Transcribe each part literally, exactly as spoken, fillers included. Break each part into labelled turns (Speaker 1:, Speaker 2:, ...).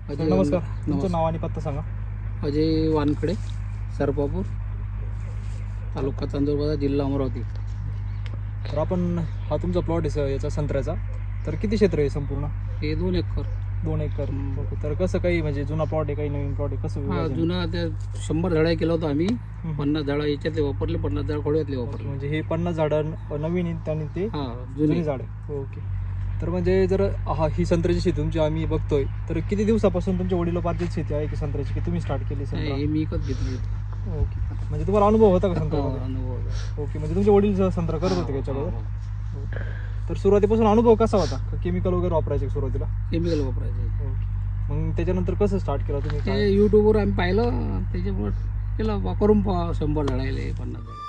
Speaker 1: Sir नमस्कार, तुमचं नाव आणि पत्ता सांगा.
Speaker 2: अजय वानखडे, सरपापूर, तालुका चांदूरबाजार, जिल्हा अमरावती.
Speaker 1: तर आपण हा तुमचा प्लॉट आहे स- याचा संत्र्याचा, तर किती क्षेत्र आहे संपूर्ण?
Speaker 2: हे दोन एकर.
Speaker 1: दोन एकर. ओके. तर कसं काही म्हणजे जुना प्लॉट आहे काही नवीन प्लॉट आहे कसं
Speaker 2: हा
Speaker 1: विभाजन?
Speaker 2: जुना त्या शंभर झाडं केलं होतं आम्ही.
Speaker 1: हम्म.
Speaker 2: पन्नास झाडं याच्यातले वापरले, पन्नास झाडं खोड्यातले
Speaker 1: ओके,
Speaker 2: वापरले.
Speaker 1: म्हणजे हे पन्नास झाडं नवीन आहेत आणि ते
Speaker 2: हा
Speaker 1: जुनी
Speaker 2: जुनी
Speaker 1: झाड आहे. ओके. तर म्हणजे जर हा ही संत्र्याची शेती तुमची आम्ही बघतोय, तर किती दिवसापासून तुमच्या वडिलोपार्जित शेती आहे की संत्र्याची, की तुम्ही स्टार्ट केली संत्रा?
Speaker 2: हे मी विकत घेतली होती.
Speaker 1: ओके. म्हणजे तुम्हाला अनुभव होता का
Speaker 2: हा,
Speaker 1: संत्र्यामध्ये?
Speaker 2: अनुभव होता.
Speaker 1: ओके. म्हणजे तुमचे वडील संत्रा करत होते का
Speaker 2: हा,
Speaker 1: याच्याबरोबर?
Speaker 2: हा, हा.
Speaker 1: तर सुरुवातीपासून अनुभव कसा होता? केमिकल वगैरे वापरायचे का सुरुवातीला?
Speaker 2: केमिकल वापरायचे.
Speaker 1: ओके. मग त्याच्यानंतर कसं स्टार्ट केलं तुम्ही?
Speaker 2: ते
Speaker 1: काय
Speaker 2: यूट्यूबवर आम्ही पाहिलं, त्याच्यामुळे केलं वा- करून पहा. शंभर झाडायले पन्नास झाडं.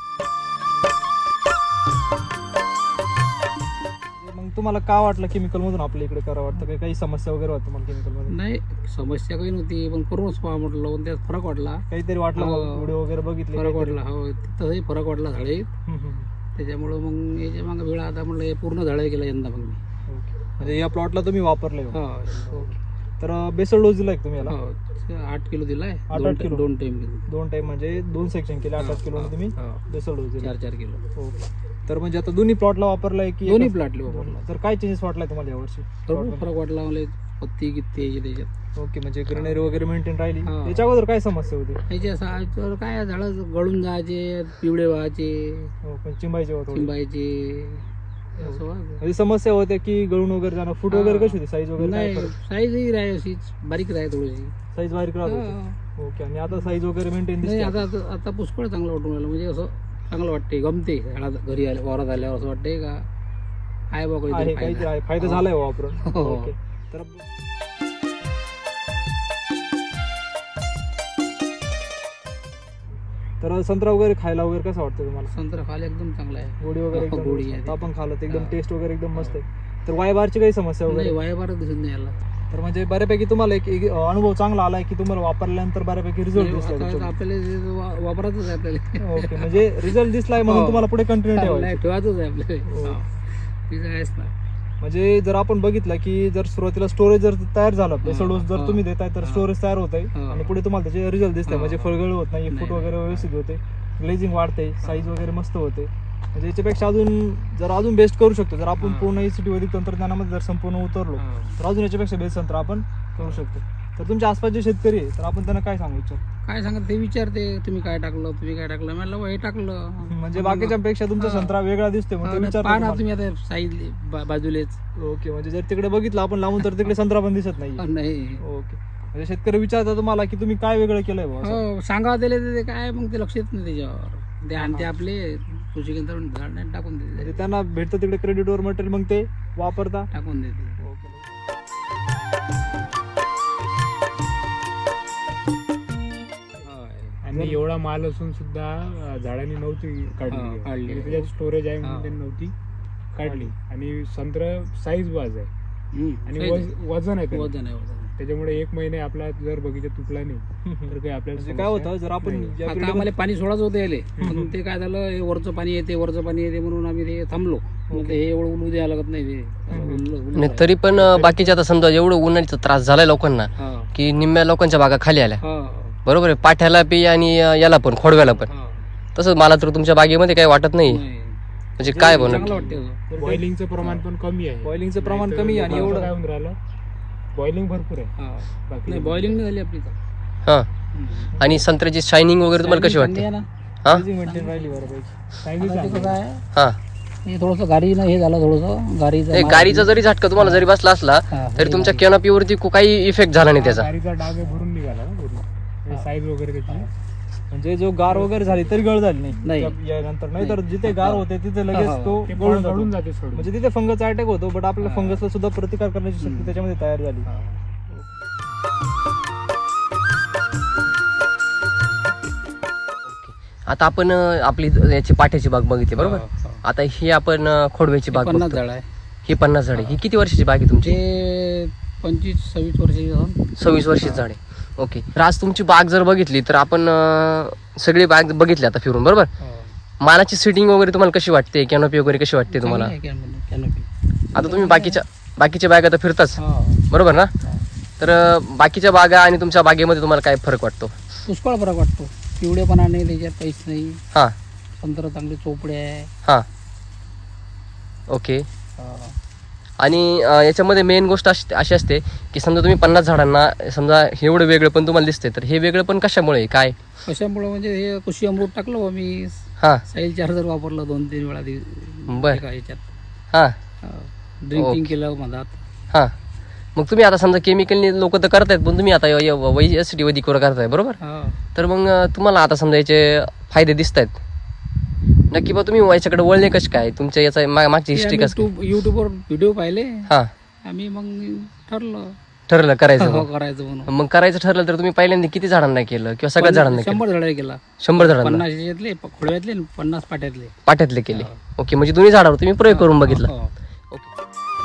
Speaker 1: मग तुम्हाला का वाटलं केमिकल मधून आपल्या इकडे करा वाटतं? काही काही समस्या वगैरे होतं मला केमिकल मध्ये?
Speaker 2: नाही, समस्या काही नव्हती, पण करूनच पहा म्हटलं, पण त्यात फरक वाटला.
Speaker 1: काहीतरी वाटलं
Speaker 2: हो.
Speaker 1: व्हिडिओ वगैरे बघितले?
Speaker 2: फरक
Speaker 1: काहीतरी?
Speaker 2: वाटला, हो तसंही फरक वाटला झाडे.
Speaker 1: हम्म, हम्म, हम्म.
Speaker 2: त्याच्यामुळं मग याच्या मागं वेळा आता म्हटलं हे पूर्ण झाडं केलं यंदा मग मी.
Speaker 1: ओके. म्हणजे या प्लॉटला तुम्ही वापरले का?
Speaker 2: हो
Speaker 1: ओके. तर बेसल डोस दिलाय का तुम्ही याला?
Speaker 2: हो, ते आठ किलो दिलाय.
Speaker 1: आठ
Speaker 2: दोन
Speaker 1: किलो?
Speaker 2: दोन टाइम दिले.
Speaker 1: दोन टाइम म्हणजे दोन सेक्शन केले, आठ आठ किलो तुम्ही
Speaker 2: हो,
Speaker 1: बेसल डोस दिला?
Speaker 2: चार चार किलो
Speaker 1: ओके. तर म्हणजे आता दोन्ही प्लॉटला वापरलाय की
Speaker 2: दोन्ही
Speaker 1: एकच?
Speaker 2: प्लॉटले वापरला.
Speaker 1: तर काय चेंजेस वाटलाय तुम्हाला यावर्षी?
Speaker 2: भरपूर फरक वाटला मला. पत्ती किती याची त्याच्यात.
Speaker 1: ओके. म्हणजे ग्रीनरी वगैरे मेंटेन राहिली.
Speaker 2: हा.
Speaker 1: याच्या अगोदर काय समस्या होती?
Speaker 2: याचे असं काय झाडं गळून जायचे, पिवळे व्हायचे,
Speaker 1: हो, पण चिंबायचे होते थोडे.
Speaker 2: चिंबायचे, असं व्हायचं.
Speaker 1: म्हणजे समस्या होत्या की गळून वगैरे जाणं. फूट वगैरे कशी होती? साईज वगैरे
Speaker 2: नाही, साईजही राही अशीच बारीक राही थोडीशी.
Speaker 1: साईज बारीक राहत होती?
Speaker 2: हा.
Speaker 1: ओके. आणि आता साईज वगैरे मेंटेन
Speaker 2: नाही,
Speaker 1: दिसते?
Speaker 2: आता आता- आता पुष्कळ चांगलं वाटून राहिलं. म्हणजे असं चांगलं वाटते, गमते. झाडात घरी आल्या वावरात आल्यावर असं वाटते का आहे बा
Speaker 1: आहे
Speaker 2: काहीतरी
Speaker 1: काहीतरी
Speaker 2: फायदा.
Speaker 1: आहे, फायदा
Speaker 2: हो.
Speaker 1: झालाय वापरून.
Speaker 2: हो.
Speaker 1: ओके. तर तर संत्रा वगैरे खायला वगैरे कसं वाटतं तुम्हाला?
Speaker 2: संत्रा खायला एकदम चांगला आहे.
Speaker 1: गोडी वगैरे
Speaker 2: हो, गोडी
Speaker 1: एकदम
Speaker 2: आहे.
Speaker 1: आपण खाल्लं तर एकदम
Speaker 2: हा.
Speaker 1: टेस्ट वगैरे एकदम मस्त आहे. तर वाय बारची काही समस्या
Speaker 2: नाही,
Speaker 1: वगैरे?
Speaker 2: वायाबार दिसत नाही याला.
Speaker 1: तर म्हणजे बऱ्यापैकी तुम्हाला एक एक अनुभव चांगला आलाय की तुम्हाला वापरल्यानंतर बऱ्यापैकी रिझल्ट
Speaker 2: नाही,
Speaker 1: दिसला
Speaker 2: आता
Speaker 1: त्याच्यामध्ये?
Speaker 2: आपल्याला जे वा- वापरायचंच आहे आपल्याला.
Speaker 1: ओके. म्हणजे रिझल्ट दिसलाय म्हणून
Speaker 2: हो.
Speaker 1: तुम्हाला पुढे कंटिन्यू
Speaker 2: नाही,
Speaker 1: ठेवायचं?
Speaker 2: ठेवायचंच आहे आपल्याला.
Speaker 1: हो.
Speaker 2: हा. तिचं आहेच ना.
Speaker 1: म्हणजे जर आपण बघितलं की जर सुरुवातीला स्टोरेज जर तयार झालं, बेसल डोस जर
Speaker 2: हा.
Speaker 1: तुम्ही देताय तर
Speaker 2: हा.
Speaker 1: स्टोरेज तयार होत आहे
Speaker 2: हा.
Speaker 1: आणि पुढे तुम्हाला त्याचे रिझल्ट दिसते.
Speaker 2: हा.
Speaker 1: म्हणजे फळगळ होत नाही, फूट
Speaker 2: नाही,
Speaker 1: वगैरे
Speaker 2: नाही.
Speaker 1: व्यवस्थित होते, ग्लेजिंग वाढते, साईज वगैरे मस्त होते. म्हणजे याच्यापेक्षा अजून जर अजून बेस्ट करू शकतो, जर आपण
Speaker 2: हा.
Speaker 1: पूर्ण एसीटी वैदिक तंत्रज्ञानामध्ये जर संपूर्ण उतरलो
Speaker 2: हा.
Speaker 1: तर अजून याच्यापेक्षा बेस्ट तंत्र आपण करू शकतो. तर तुमच्या आसपास जे शेतकरी आहे तर आपण त्यांना काय सांगू इच्छितो?
Speaker 2: काय सांगत ते विचारते, तुम्ही काय टाकलं, तुम्ही काय टाकलं. म्हणलं "बुवा, हे टाकलं."
Speaker 1: म्हणजे बाकीच्यापेक्षा तुमचा
Speaker 2: हा.
Speaker 1: संत्रा वेगळा दिसतोय मग ते
Speaker 2: हा, पहा
Speaker 1: विचारतात
Speaker 2: ना
Speaker 1: तुम्हाला.
Speaker 2: तुम्ही आता साईज बाजूलेच.
Speaker 1: ओके. म्हणजे जर तिकडे बघितलं आपण लांबून तर तिकडे संत्रा पण दिसत नाही.
Speaker 2: हा, नाही.
Speaker 1: ओके. म्हणजे शेतकरी विचारतात तुम्हाला की तुम्ही काय वेगळं केलंय बुवा असं?
Speaker 2: हो, सांगावं त्याला तर ते काय मग ते लक्ष येत नाही त्याच्यावर. ते आणते आपले कृषी केंद्र झाड नाही टाकून देते,
Speaker 1: म्हणजे त्यांना भेटतं तिकडे क्रेडिटवर मटेरियल मग ते वापरता.
Speaker 2: टाकून देते.
Speaker 1: ओके.
Speaker 3: आणि एवढा माल असून सुद्धा अं, झाडांनी नव्हती
Speaker 2: हा,
Speaker 3: काढली.
Speaker 2: काढली.
Speaker 3: म्हणजे त्याच्यात स्टोरेज आहे
Speaker 2: हा.
Speaker 3: म्हणून त्यांनी नव्हती काढली. आणि संत्र साईज वाज आहे
Speaker 2: हम्म,
Speaker 3: आणि
Speaker 2: साईज
Speaker 3: वज-
Speaker 2: आहे.
Speaker 3: वजन आहे त्याला.
Speaker 2: वजन आहे, वजन आहे.
Speaker 3: त्याच्यामुळे एक महिने आपला जर बगीचा तुटला नाही तर काही आपल्याला
Speaker 1: म्हणजे काय
Speaker 3: समस्या
Speaker 1: होतं जर आपण
Speaker 3: नाही.
Speaker 1: या
Speaker 2: आता
Speaker 1: period
Speaker 2: आम्हाला पाणी सोडायचं होतं याले, पण ते काय झालं, हे वरचं पाणी येते वरचं पाणी येते म्हणून आम्ही ते थांबलो. मग ते हे एवढं उलू द्यायला लागत नाही ते. उललं- उललं
Speaker 4: नाही
Speaker 2: आहे.
Speaker 4: तरी पण अं, बाकीचे आता समजा एवढं उन्हाळीचा त्रास झालाय लोकांना
Speaker 2: हा,
Speaker 4: की निम्म्या लोकांच्या बागा खाली आल्या.
Speaker 2: हा,
Speaker 4: बरोबर आहे, पाठ्याला पी आणि अं, याला पण खोडव्याला पण.
Speaker 2: हा.
Speaker 4: तसं मला तर तुमच्या बागेमध्ये काही वाटत नाही.
Speaker 2: नाही.
Speaker 4: म्हणजे काय
Speaker 2: चांगलं
Speaker 4: बनत
Speaker 2: वाटते असं.
Speaker 1: तर ते-
Speaker 3: बॉइलिंगचं प्रमाण पण कमी आहे.
Speaker 1: बॉइलिंगचं प्रमाण
Speaker 3: नाहीतर
Speaker 1: कमी आहे आणि
Speaker 3: लोकांचं
Speaker 1: एवढं-
Speaker 3: काय होऊन राहिलं, बॉइलिंग भरपूर आहे.
Speaker 2: हा.
Speaker 3: बाकी
Speaker 2: नाही, बॉइलिंग नाही झाली आपली तर.
Speaker 4: हा.
Speaker 2: हम्म.
Speaker 4: आणि संत्र्याची शायनिंग वगैरे तुम्हाला कशी
Speaker 2: चांगली
Speaker 4: वाटते?
Speaker 2: आहे ना.
Speaker 4: हा
Speaker 1: freezing maintain राहिली बऱ्यापैकी.
Speaker 3: साईज
Speaker 2: आता ते कसं आहे,
Speaker 4: हा.
Speaker 2: हे थोडंसं गाडी हे झालं, थोडंसं गाडीचं
Speaker 4: नाही,
Speaker 2: मार-
Speaker 4: गाडीचा जरी झटका तुम्हाला जरी बसला असला
Speaker 2: हा,
Speaker 4: तरी तुमच्या
Speaker 2: गाडी.
Speaker 4: कॅनोपीवरती काही इफेक्ट झाला नाही त्याचा.
Speaker 3: गाडीचा डाग आहे भरून निघाला ना पूर्ण. साईज वगैरे त्याची
Speaker 1: म्हणजे जो गार वगैरे झाली तरी गळ झाली नाही
Speaker 2: नाही.
Speaker 1: त्या- यानंतर नाही तर जिथे गार होते तिथे लगेच
Speaker 2: हा.
Speaker 1: तो
Speaker 3: ते
Speaker 1: गळून
Speaker 3: गळून
Speaker 1: जातो.
Speaker 3: जाते सोडून.
Speaker 1: म्हणजे तिथे फंगस अटॅक होतो बट आपल्याला
Speaker 2: हा.
Speaker 1: फंगसला सुद्धा प्रतिकार करण्याची शक्ती
Speaker 2: हम्म.
Speaker 1: त्याच्यामध्ये तयार झाली.
Speaker 2: हा.
Speaker 4: आता आपण अं, आपली याची पाठ्याची बाग बघितली बरोबर.
Speaker 2: हा, हा.
Speaker 4: आता ही आपण अं, खोडव्याची बाग
Speaker 2: पन्नास
Speaker 4: बघतो.
Speaker 2: झाड आहे.
Speaker 4: ही पन्नास झाडे. ही किती वर्षाची बाग आहे तुमची?
Speaker 2: ते पंचवीस सव्वीस वर्षाची जाऊन.
Speaker 4: सव्वीस वर्षाची झाडे. ओके. तर आज तुमची बाग जर बघितली तर आपण अं, सगळी बाग बघितली आता फिरून बरोबर. मानाची सिटिंग वगैरे तुम्हाला कशी वाटते, कॅनोपी वगैरे कशी वाटते तुम्हाला?
Speaker 2: चांगली आहे कॅनोपी.
Speaker 4: आता तुम्ही बाकीच्या बाकीच्या बाग आता फिरताच
Speaker 2: हा.
Speaker 4: बरोबर ना.
Speaker 2: हा.
Speaker 4: तर अं, बाकीच्या बागा आणि तुमच्या बागेमध्ये तुम्हाला काय फरक वाटतो?
Speaker 2: पुष्कळ फरक वाटतो. पिवळेपणा नाही, त्याच्यात काहीच नाही.
Speaker 4: हां
Speaker 2: संत्र चांगले चोपडे आहे.
Speaker 4: हां ओके.
Speaker 2: हा.
Speaker 4: आणि अं, याच्यामध्ये मेन गोष्ट अशी अशी असते की समजा तुम्ही पन्नास झाडांना समजा हे एवढं वेगळं पण तुम्हाला दिसते, तर हे वेगळं पण कशामुळे आहे? काय?
Speaker 2: कशामुळे म्हणजे हे कृषी अमृत टाकलं बा मी.
Speaker 4: हां
Speaker 2: साईल चार्जर वापरलं दोन तीन वेळा दि-
Speaker 4: बर.
Speaker 2: एका याच्यात.
Speaker 4: हां
Speaker 2: ड्रिंकिंग
Speaker 4: ओके.
Speaker 2: केलं मधात.
Speaker 4: हां मग तुम्ही आता समजा केमिकलने लोक तर करतायत, पण तुम्ही आता एस टी वैदिकवर करताय बरोबर,
Speaker 2: हा.
Speaker 4: तर मग अं, तुम्हाला आता समजा याचे फायदे दिसत आहेत नक्की. बा तुम्ही याच्याकडे वळले कसे काय? तुमच्या याचा मा- मागची हिस्ट्री कसं काय?
Speaker 2: युट्यूब युट्यूबवर व्हिडिओ पाहिले.
Speaker 4: हां
Speaker 2: आम्ही मग ठरलं
Speaker 4: ठरलं करायचं
Speaker 2: हो,
Speaker 4: मग.
Speaker 2: करायचं म्हणून.
Speaker 4: मग करायचं ठरलं तर तुम्ही पहिल्यांदा किती झाडांना केलं किंवा सगळ्या झाडांना केलं?
Speaker 2: शंभर झाडे केला.
Speaker 4: शंभर झाडांना
Speaker 2: पन्नास याच्यातले प- खोडव्यातले आणि पन्नास पाट्यातले.
Speaker 4: पाट्यातले केले. ओके, म्हणजे दोन्ही झाडावर तुम्ही प्रयोग करून बघितला.
Speaker 2: हो.
Speaker 4: ओके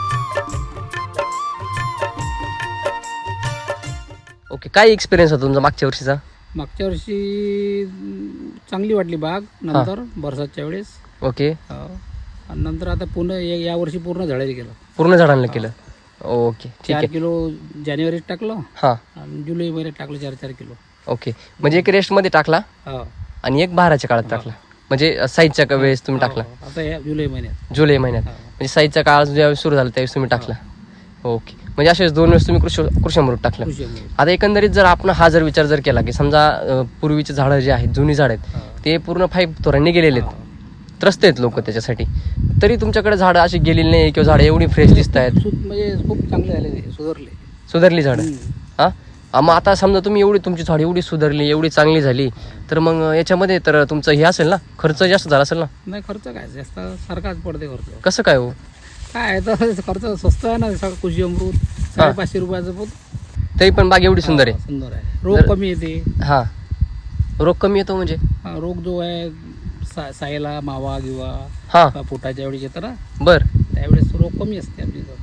Speaker 4: ओके काय एक्सपिरियन्स होता तुमचा मागच्या वर्षीचा?
Speaker 2: मागच्या वर्षी अं, चांगली वाटली बाग. नंतर बरसातच्या वेळेस.
Speaker 4: ओके
Speaker 2: हो. आणि नंतर आता पुन्हा या या वर्षी पूर्ण झाडायला गेलं.
Speaker 4: पूर्ण झाडांना केलं. ओके ठीक
Speaker 2: चार
Speaker 4: आहे.
Speaker 2: किलो जानेवारीत टाकलं
Speaker 4: हां
Speaker 2: आणि जुलै महिन्यात टाकलं चार चार किलो.
Speaker 4: ओके, म्हणजे एक रेस्टमध्ये टाकला
Speaker 2: हो.
Speaker 4: आणि एक बहाराच्या काळात टाकला, म्हणजे साईजच्या वेळेस तुम्ही टाकला
Speaker 2: हो. आता या जुलै महिन्यात.
Speaker 4: जुलै महिन्यात,
Speaker 2: हो.
Speaker 4: म्हणजे साईजचा काळ ज्यावेळेस सुरू झाला त्यावेळेस तुम्ही टाकला. ओके, म्हणजे असेच दोन वेळेस तुम्ही कृषी कृषी अमृत टाकलं.
Speaker 2: कृषी अमृत.
Speaker 4: आता एकंदरीत जर आपण हा जर विचार जर केला की समजा अं, पूर्वीचे झाडं जे आहेत, जुनी झाड आहेत,
Speaker 2: हो.
Speaker 4: ते पूर्ण फाईव्ह तोरांनी गेलेले आहेत,
Speaker 2: हो.
Speaker 4: त्रस्त आहेत लोक त्याच्यासाठी, तरी तुमच्याकडे झाडं अशी गेलेली नाही किंवा झाडं एवढी फ्रेश दिसत आहेत,
Speaker 2: सु- म्हणजे खूप चांगले झाले ते, सुधारले.
Speaker 4: सुधारली झाडं.
Speaker 2: हम्म.
Speaker 4: हां आ, मग आता समजा तुम्ही एवढी तुमची झाड एवढी सुधारली, एवढी चांगली झाली, तर मग याच्यामध्ये तर तुमचं हे असेल ना, खर्च जास्त झाला असेल ना?
Speaker 2: नाही, खर्च काय जास्त सारखाच पडते खर्च.
Speaker 4: कसं काय हो?
Speaker 2: काय आहे तर खर्च स्वस्त आहे ना. सगळं कृषी अमृत साडेपाचशे रुपयाचं पोत.
Speaker 4: तरी पण बाग एवढी सुंदर
Speaker 2: हा,
Speaker 4: आहे.
Speaker 2: सुंदर आहे. रोग
Speaker 4: जर-
Speaker 2: कमी येते.
Speaker 4: हां रोग कमी येतो म्हणजे?
Speaker 2: हा, रोग जो आहे सा- सायला मावा किंवा
Speaker 4: हां
Speaker 2: पोटाच्या वेळेस येतं ना,
Speaker 4: बर.
Speaker 2: त्यावेळेस रोग कमी असते आपली इथं.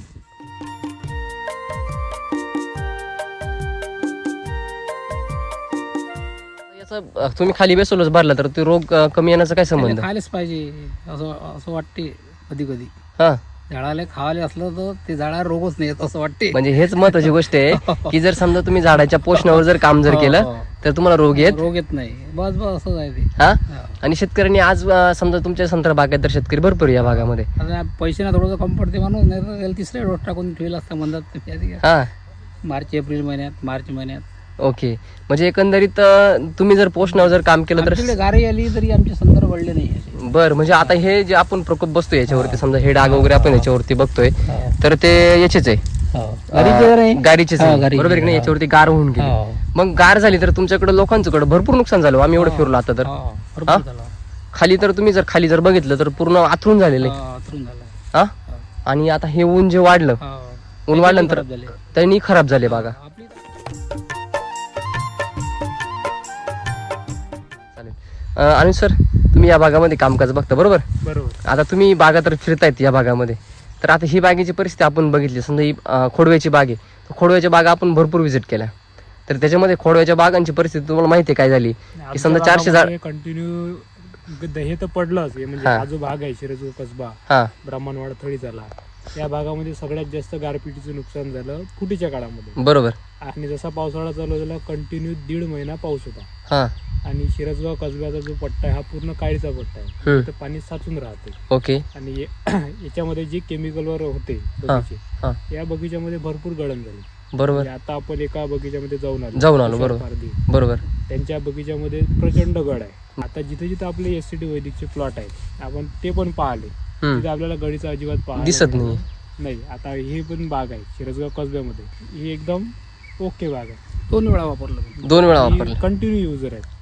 Speaker 4: याचा अं, तुम्ही खाली बेसोलच भरला तर ते रोग अं, कमी येण्याचा काय संबंध?
Speaker 2: त्याला खायलाच पाहिजे असं असं वाटते कधी कधी.
Speaker 4: हां
Speaker 2: झाडाला खावाले असलं तर ते झाडाला रोगच नाही येत असं वाटते.
Speaker 4: म्हणजे हेच महत्वाची गोष्ट आहे की जर समजा तुम्ही झाडाच्या पोषणावर जर काम जर
Speaker 2: हो,
Speaker 4: केलं
Speaker 2: हो.
Speaker 4: तर तुम्हाला रोग येत.
Speaker 2: रोग येत नाही. बस बस असंच आहे ते.
Speaker 4: हा
Speaker 2: हा.
Speaker 4: आणि शेतकऱ्यांनी आज अं, समजा तुमच्या संत्रा बागेत तर शेतकरी भरपूर आहे या भागामध्ये.
Speaker 2: आता पैसे ना थोडंसं कमी पडते म्हणून, नाही तर त्याला तिसरे डोस टाकून ठेवला असता म्हणतात.
Speaker 4: हा
Speaker 2: मार्च एप्रिल महिन्यात, मार्च महिन्यात.
Speaker 4: ओके, म्हणजे एकंदरीत अं, तुम्ही जर पोषणावर जर काम केलं तर
Speaker 2: आमच्याकडे गारी आली तरी आमचे संदर्भ वळले नाही असे.
Speaker 4: बर. म्हणजे आता हे जे आपण प्रकोप बसतोय याच्यावरती, समजा हे डाग वगैरे आपण याच्यावरती बघतोय,
Speaker 2: हा.
Speaker 4: तर ते याचेच आहे,
Speaker 2: गारीचे जर आहे.
Speaker 4: अं, गारीचेच
Speaker 2: हा,
Speaker 4: आहे.
Speaker 2: गारीचे.
Speaker 4: बरोबर आहे की नाही? याच्यावरती गार होऊन गेली.
Speaker 2: हा.
Speaker 4: मग गार झाली तर तुमच्याकडे लोकांच्याकडे भरपूर नुकसान झालं. आम्ही एवढं फिरलो आता तर.
Speaker 2: हा, भरपूर
Speaker 4: हा?
Speaker 2: झाला.
Speaker 4: खाली तर तुम्ही जर खाली जर बघितलं तर पूर्ण आथरून झालेलं आहे.
Speaker 2: हा, अथरून झाला.
Speaker 4: हा आणि आता हे ऊन जे वाढलं,
Speaker 2: हा.
Speaker 4: ऊन वाढल्यानंतर
Speaker 2: खराब झाले.
Speaker 4: त्यांनी खराब झाले बागा.
Speaker 2: आपली
Speaker 4: चालेल. अं, आणि सर तुम्ही या भागामध्ये कामकाज बघता बरोबर?
Speaker 3: बरोबर.
Speaker 4: आता तुम्ही बागा तर फिरतायत या भागामध्ये, तर आता ही बागेची परिस्थिती आपण बघितली. समजा ही अं, खोडव्याची बाग आहे, तर खोडव्याच्या बागा आपण भरपूर व्हिजिट केल्या, तर त्याच्यामध्ये खोडव्याच्या बागांची परिस्थिती तुम्हाला माहिती आहे काय झाली की समजा चारशे झाड.
Speaker 3: कंटिन्यू हे तर पडलंच. हे म्हणजे
Speaker 4: हा.
Speaker 3: हा जो भाग आहे शिरजूर कसबा,
Speaker 4: हा
Speaker 3: ब्राह्मणवाडा थळी झाला, या भागामध्ये सगळ्यात जास्त गारपिटीचं नुकसान झालं फुटीच्या काळामध्ये.
Speaker 4: बरोबर.
Speaker 3: आणि जसा पावसाळा चालू झाला कंटिन्यू दीड महिना पाऊस होता.
Speaker 4: हा
Speaker 3: आणि शिरजगाव कसब्याचा जो पट्टा आहे हा पूर्ण काळीचा पट्टा आहे.
Speaker 4: हम्म.
Speaker 3: तर पाणी साचून राहते.
Speaker 4: ओके.
Speaker 3: आणि ये- याच्यामध्ये जे केमिकलवर होते
Speaker 4: हा
Speaker 3: बगीचे,
Speaker 4: हा
Speaker 3: या बगीच्यामध्ये भरपूर गळण झाली.
Speaker 4: बरोबर.
Speaker 3: म्हणजे आता आपण एका बगीच्यामध्ये जाऊन आलो
Speaker 4: जाऊन आलो,
Speaker 3: तुषार
Speaker 4: बरोबर.
Speaker 3: पारधी.
Speaker 4: बरोबर.
Speaker 3: त्यांच्या बगीच्यामध्ये प्रचंड गड आहे. आता जिथे जिथे आपले एस सी टी वैदिकचे प्लॉट आहेत आपण ते पण पाहिले,
Speaker 4: हम्म.
Speaker 3: तिथे आपल्याला गडीचा अजिबात पाहायला
Speaker 4: दिसत
Speaker 3: मिळालं
Speaker 4: नाही.
Speaker 3: नाही. आता ही पण बाग आहे शिरसगाव कसब्यामध्ये, ही एकदम ओके बाग आहे.
Speaker 2: दोन वेळा वापरलं मी.
Speaker 4: दोन वेळा वापरले.
Speaker 3: कंटिन्यू युजर आहे.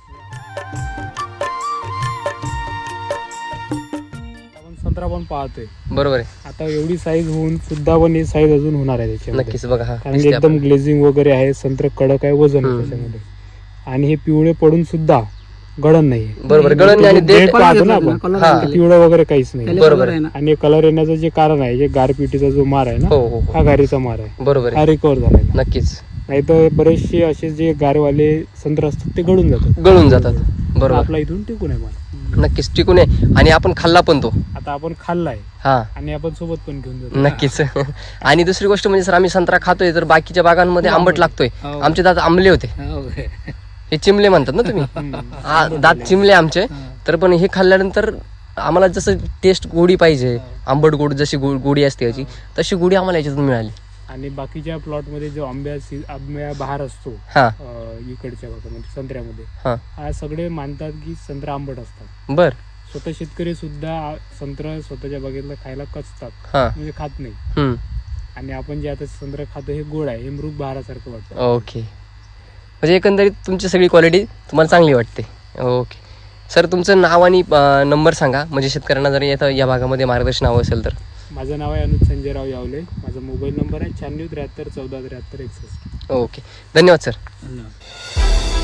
Speaker 3: आपण संत्रा पण पाहतोय
Speaker 4: बरोबर आहे.
Speaker 3: आता एवढी साईज होऊन सुद्धा पण ही साईज अजून होणार आहे त्याच्यामध्ये.
Speaker 4: नक्कीच बघा. हा
Speaker 3: कारण की
Speaker 4: दिसते
Speaker 3: एकदम
Speaker 4: आपल्याला.
Speaker 3: ग्लेझिंग वगैरे आहे, संत्र कडक आहे, वजन आहे
Speaker 4: हम्म.
Speaker 3: त्याच्यामध्ये. आणि हे पिवळे पडून सुद्धा गळण नाही.
Speaker 4: बरोबर. गळण आणि देठ.
Speaker 2: कलर
Speaker 3: पाहतो
Speaker 2: घेतला
Speaker 3: ना
Speaker 2: ना,
Speaker 3: आपण.
Speaker 2: कलर
Speaker 4: हा.
Speaker 2: केले.
Speaker 3: पिवळं वगैरे काहीच नाही.
Speaker 2: त्याला
Speaker 4: बरोबर
Speaker 2: कलर आहे ना.
Speaker 3: आणि कलर येण्याचं जे कारण आहे, जे गारपिटीचा जो मार आहे ना,
Speaker 4: हो हो हो.
Speaker 3: हा गारीचा मार आहे,
Speaker 4: बरोबर आहे.
Speaker 3: हा रिकवर झालाय.
Speaker 4: नक्कीच
Speaker 3: नाही तर बरेचसे असे जे गारवाले संत्र असतात ते गळून जातात.
Speaker 4: गळून जातात. बरोबर.
Speaker 3: आपला इथून टिकून आहे माल.
Speaker 4: नक्कीच टिकून आहे आणि आपण खाल्ला पण तो.
Speaker 3: आता आपण खाल्लाय
Speaker 4: हा
Speaker 3: आणि आपण सोबत पण घेऊन जातो.
Speaker 4: नक्कीच. आणि दुसरी गोष्ट म्हणजे सर आम्ही संत्रा खातोय तर बाकीच्या बागांमध्ये आंबट लागतोय.
Speaker 2: हो.
Speaker 4: आमचे दात आंबले होते,
Speaker 2: हो.
Speaker 4: हे चिमले म्हणतात ना तुम्ही.
Speaker 3: हम्म.
Speaker 4: हा, दात चिमले आमचे. तर पण हे खाल्ल्यानंतर आम्हाला जसं टेस्ट गोडी पाहिजे, आंबट गोड जशी गो- गोडी असते याची, तशी गोडी आम्हाला याच्यातून मिळाली.
Speaker 3: आणि बाकीच्या प्लॉट मध्ये जो आंब्या सी- आंब्या बहार असतो
Speaker 4: हा
Speaker 3: अं, इकडच्या भागामध्ये संत्र्यामध्ये,
Speaker 4: हा
Speaker 3: हा सगळे मानतात की संत्रा आंबट असतात.
Speaker 4: बर
Speaker 3: स्वतः शेतकरी सुद्धा संत्र स्वतःच्या बागेतलं खायला कचतात,
Speaker 4: हा
Speaker 3: म्हणजे खात नाही.
Speaker 4: हम्म
Speaker 3: आणि आपण जे आता संत्र खातो हे गोड आहे, हे मृग बहारासारखं वाटतं.
Speaker 4: ओके. म्हणजे एकंदरीत तुमची सगळी क्वालिटी तुम्हाला चांगली वाटते. ओके सर, तुमचं नाव आणि नंबर सांगा म्हणजे शेतकऱ्यांना जर येतं या भागामध्ये मार्गदर्शन हवं असेल तर.
Speaker 3: माझं नाव आहे अनुज संजयराव यावले. माझा मोबाईल नंबर आहे शहाण्णव त्र्याहत्तर चौदा त्र्याहत्तर एकसष्ट.
Speaker 4: ओके, धन्यवाद सर.
Speaker 2: धन्यवाद.